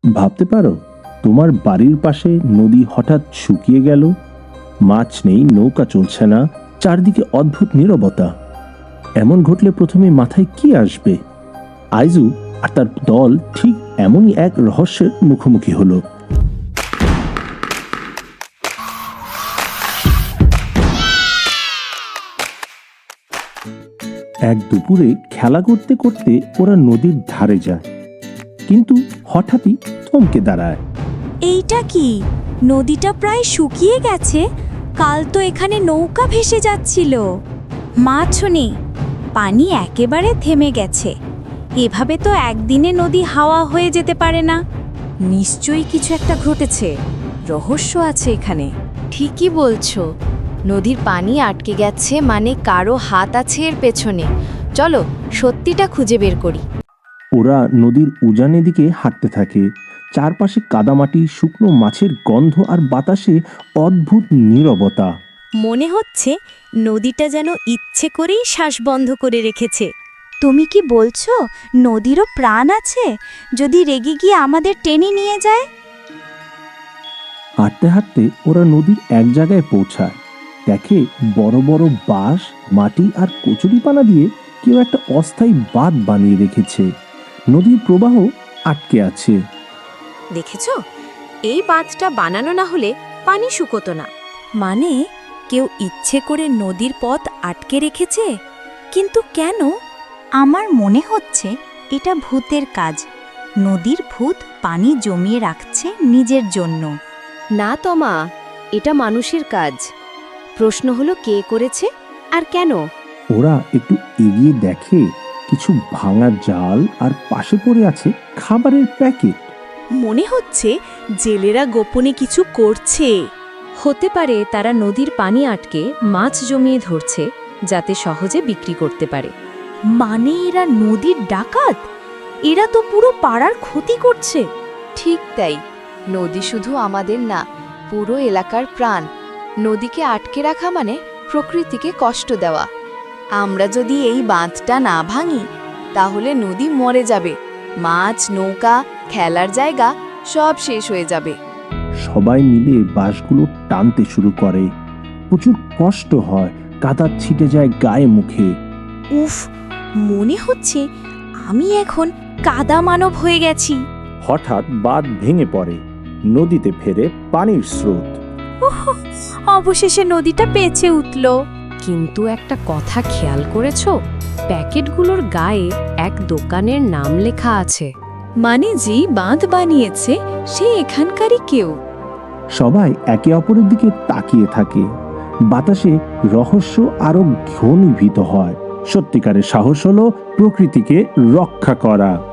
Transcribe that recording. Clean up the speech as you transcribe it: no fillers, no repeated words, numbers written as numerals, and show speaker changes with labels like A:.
A: ভাবতে পারো, তোমার বাড়ির পাশে নদী হঠাৎ শুকিয়ে গেল, মাছ নেই, নৌকা চলছে না, চারদিকে অদ্ভুত নীরবতা। এমন ঘটলে প্রথমে মাথায় কি আসবে? আইজু আর তার দল ঠিক এমনই এক রহস্যের মুখোমুখি হলো। এক দুপুরে খেলা করতে করতে ওরা নদীর ধারে যায়, কিন্তু হঠাৎই থমকে দাঁড়ায়।
B: এইটা কি? নদীটা প্রায় শুকিয়ে গেছে। কাল তো এখানে নৌকা ভেসে যাচ্ছিল। মাছও নেই, পানি একেবারে থেমে গেছে। এভাবে তো একদিনে নদী হাওয়া হয়ে যেতে পারে না।
C: নিশ্চয়ই কিছু একটা ঘটেছে, রহস্য আছে এখানে। ঠিকই বলছো, নদীর পানি আটকে গেছে মানে কারো হাত আছে এর পেছনে। চলো সত্যিটা খুঁজে বের করি।
A: ওরা নদীর উজানের দিকে হাঁটতে থাকে। চারপাশে কাদামাটি, শুকনো মাছের গন্ধ আর বাতাসে অদ্ভুত নীরবতা।
B: মনে হচ্ছে নদীটা যেন ইচ্ছে করেই শ্বাস বন্ধ করে রেখেছে। তুমি কি বলছো নদীরও প্রাণ আছে? যদি রেগে গিয়ে আমাদের টেনে নিয়ে যায়?
A: হাঁটতে হাঁটতে ওরা নদীর এক জায়গায় পৌঁছায়। দেখে বড় বড় বাঁশ, মাটি আর কচুরিপানা দিয়ে কেউ একটা অস্থায়ী বাঁধ বানিয়ে রেখেছে। নদীর প্রবাহ আটকে আছে।
C: দেখেছো, এই বাঁধটা বানানো না হলে পানি শুকোতো না।
B: মানে কেউ ইচ্ছে করে নদীর পথ আটকে রেখেছে? কিন্তু কেন? আমার মনে হচ্ছে এটা ভূতের কাজ। নদীর ভূত পানি জমিয়ে রাখছে নিজের জন্য।
C: না তমা, এটা মানুষের কাজ। প্রশ্ন হলো কে করেছে আর কেন।
A: ওরা একটু এগিয়ে দেখে কিছু ভাঙা জাল আর পাশে পড়ে আছে খাবারের প্যাকেট।
B: মনে হচ্ছে জেলেরা গোপনে কিছু করছে।
C: হতে পারে তারা নদীর পানি আটকে মাছ জমিয়ে ধরছে, যাতে সহজে বিক্রি করতে পারে।
B: মানে এরা নদীর ডাকাত? এরা তো পুরো পাড়ার ক্ষতি করছে।
C: ঠিক তাই, নদী শুধু আমাদের না, পুরো এলাকার প্রাণ। নদীকে আটকে রাখা মানে প্রকৃতিকে কষ্ট দেওয়া। আমরা যদি এই বাঁধটা না ভাঙি, তাহলে নদী মরে যাবে। মাছ, নৌকা, খেলার জায়গা সব শেষ হয়ে যাবে।
A: সবাই মিলে বাঁশগুলো টানতে শুরু করে। প্রচুর কষ্ট হয়, কাদা ছিটে যায় গায়ে মুখে।
B: উফ, মনে হচ্ছে আমি এখন কাদা মানব হয়ে গেছি।
A: হঠাৎ বাঁধ ভেঙে পড়ে, নদীতে ফেরে পানির স্রোত।
B: অবশেষে নদীটা বেঁচে উঠল।
C: কিন্তু একটা কথা খেয়াল করেছো? প্যাকেটগুলোর গায়ে এক দোকানের নাম লেখা আছে।
B: মানে যে বাঁধ বানিয়েছে সে এখানকারই কেউ।
A: সবাই একে অপরের দিকে তাকিয়ে থাকে। বাতাসে রহস্য আরো ঘনীভূত হয়। সত্যিকারের সাহস হলো প্রকৃতিকে রক্ষা করা।